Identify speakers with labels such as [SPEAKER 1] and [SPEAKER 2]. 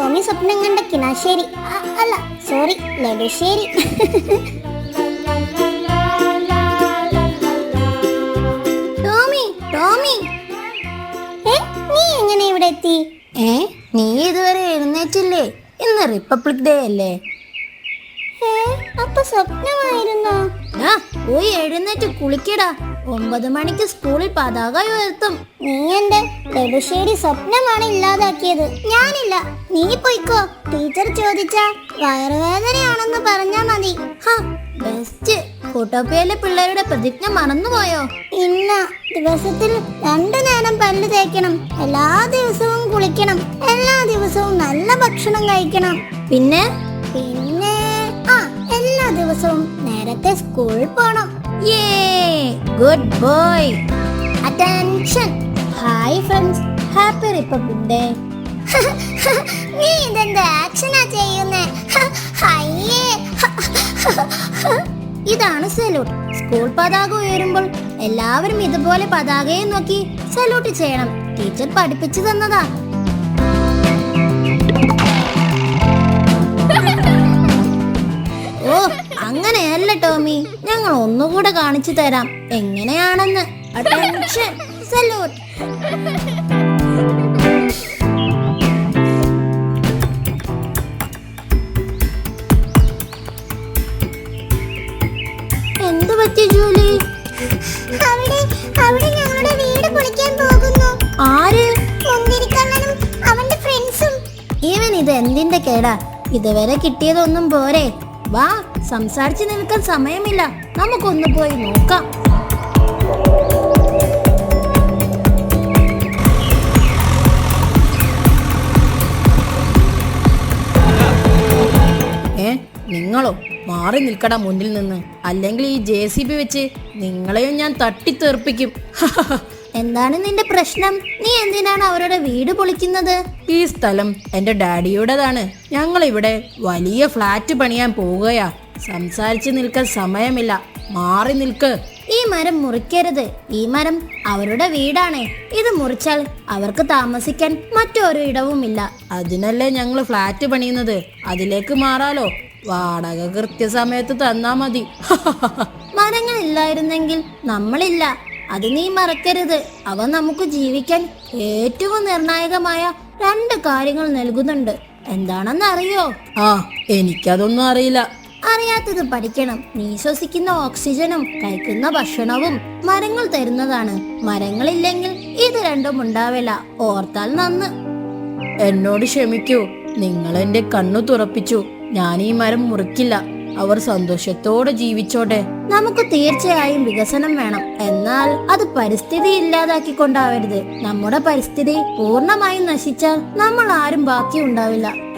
[SPEAKER 1] ടോമി സ്വപ്നം കണ്ട കിണാശ്ശേരി, അല്ല സോറി നെടുശ്ശേരി. ടോമി ടോമി, നീ എങ്ങനെ ഇവിടെ എത്തി?
[SPEAKER 2] നീ ഇതുവരെ എഴുന്നേറ്റില്ലേ? ഇന്ന് റിപ്പബ്ലിക് ഡേ അല്ലേ?
[SPEAKER 1] അപ്പൊ സ്വപ്നമായിരുന്നോ?
[SPEAKER 2] പോയി എഴുന്നേറ്റ് കുളിക്കടാ. 9 മണിക്ക് സ്കൂളിൽ പതാക ഉയർത്തും.
[SPEAKER 1] നീ എന്റെ നെടുശ്ശേരി സ്വപ്നമാണ് ഇല്ലാതാക്കിയത്. ഞാനില്ല, നീ പോയിക്കോ. ടീച്ചർ ചോദിച്ചാ വയറുവേദനയാണെന്ന് പറഞ്ഞാ മതി.
[SPEAKER 2] ബെസ്റ്റ്. ഫോട്ടോപ്പിയയിലെ പിള്ളേരുടെ പ്രതിജ്ഞ മറന്നുപോയോ?
[SPEAKER 1] ഇല്ല, ദിവസത്തിൽ 2 നേരം പല്ല് തേക്കണം, എല്ലാ ദിവസവും കുളിക്കണം, എല്ലാ ദിവസവും നല്ല ഭക്ഷണം കഴിക്കണം.
[SPEAKER 2] പിന്നെ
[SPEAKER 1] എല്ലാ ദിവസവും നേരത്തെ സ്കൂളിൽ പോണം.
[SPEAKER 2] Good boy.
[SPEAKER 1] Attention.
[SPEAKER 2] Hi friends, happy republic day.
[SPEAKER 1] നീ ഇതെന്താ ആക്ഷനാ ചെയ്യുന്നേ?
[SPEAKER 2] ഇതാണ് സല്യൂട്ട്. സ്കൂൾ പതാക ഉയരുമ്പോൾ എല്ലാവരും ഇതുപോലെ പതാകയെ നോക്കി സല്യൂട്ട് ചെയ്യണം. ടീച്ചർ പഠിപ്പിച്ചു തന്നതാ. ഓ, അങ്ങനെയല്ല ടോമി, ഞങ്ങൾ ഒന്നുകൂടെ കാണിച്ചു തരാം എങ്ങനെയാണെന്ന്. Attention, salute. എന്ത് പറ്റി ജൂലി?
[SPEAKER 1] അവിടെ ഞങ്ങളുടെ വീട് പൊളിക്കാൻ പോകുന്നു.
[SPEAKER 2] ആര്?
[SPEAKER 1] മുന്തിരിക്കണ്ണനും അവന്റെ ഫ്രണ്ട്സും.
[SPEAKER 2] ഇവൻ ഇത് എന്തിന്റെ കേടാ? ഇതുവരെ കിട്ടിയതൊന്നും പോരെ? വാ, സംസാരിച്ചു നിൽക്കാൻ സമയമില്ല, നമുക്കൊന്ന് പോയി നോക്കാം. നിങ്ങളോ? മാറി നിൽക്കടാ മുന്നിൽ നിന്ന്, അല്ലെങ്കിൽ ഈ JCB വെച്ച് നിങ്ങളെയും ഞാൻ തട്ടിത്തെറിപ്പിക്കും. എന്താണ് നിന്റെ പ്രശ്നം? നീ എന്തിനാണ് അവരുടെ വീട് പൊളിക്കുന്നത്? ഈ സ്ഥലം എന്റെ ഡാഡിയുടേതാണ്. ഞങ്ങൾ ഇവിടെ വലിയ ഫ്ലാറ്റ് പണിയാൻ പോവുകയാ. സംസാരിച്ചു നിൽക്കാൻ സമയമില്ല, മാറി നിൽക്ക്. ഈ മരം മുറിക്കരുത്. ഈ മരം അവരുടെ വീടാണ്. ഇത് മുറിച്ചാൽ അവർക്ക് താമസിക്കാൻ മറ്റൊരു ഇടവുമില്ല. അതിനല്ലേ ഞങ്ങൾ ഫ്ലാറ്റ് പണിയുന്നത്. അതിലേക്ക് മാറാലോ. വാടക കൃത്യസമയത്ത് തന്നാ മതി. മരങ്ങളില്ലായിരുന്നെങ്കിൽ നമ്മളില്ല, അത് നീ മറക്കരുത്. അവ നമുക്ക് ജീവിക്കാൻ ഏറ്റവും നിർണായകമായ 2 കാര്യങ്ങൾ നൽകുന്നുണ്ട്. എന്താണെന്ന് അറിയോ? എനിക്കതൊന്നും അറിയില്ല. അറിയാത്തത് പഠിക്കണം. നീ ശ്വസിക്കുന്ന ഓക്സിജനും കഴിക്കുന്ന ഭക്ഷണവും മരങ്ങൾ തരുന്നതാണ്. മരങ്ങളില്ലെങ്കിൽ ഇത് രണ്ടും ഉണ്ടാവില്ല. ഓർത്താൽ നന്ന്. എന്നോട് ക്ഷമിക്കൂ, നിങ്ങൾ എന്റെ കണ്ണു തുറപ്പിച്ചു. ഞാൻ ഈ മരം മുറിക്കില്ല. അവർ സന്തോഷത്തോടെ ജീവിച്ചോട്ടെ. നമുക്ക് തീർച്ചയായും വികസനം വേണം, എന്നാൽ അത് പരിസ്ഥിതി ഇല്ലാതാക്കിക്കൊണ്ടാവരുത്. നമ്മുടെ പരിസ്ഥിതി പൂർണ്ണമായും നശിച്ചാൽ നമ്മൾ ആരും ബാക്കി ഉണ്ടാവില്ല.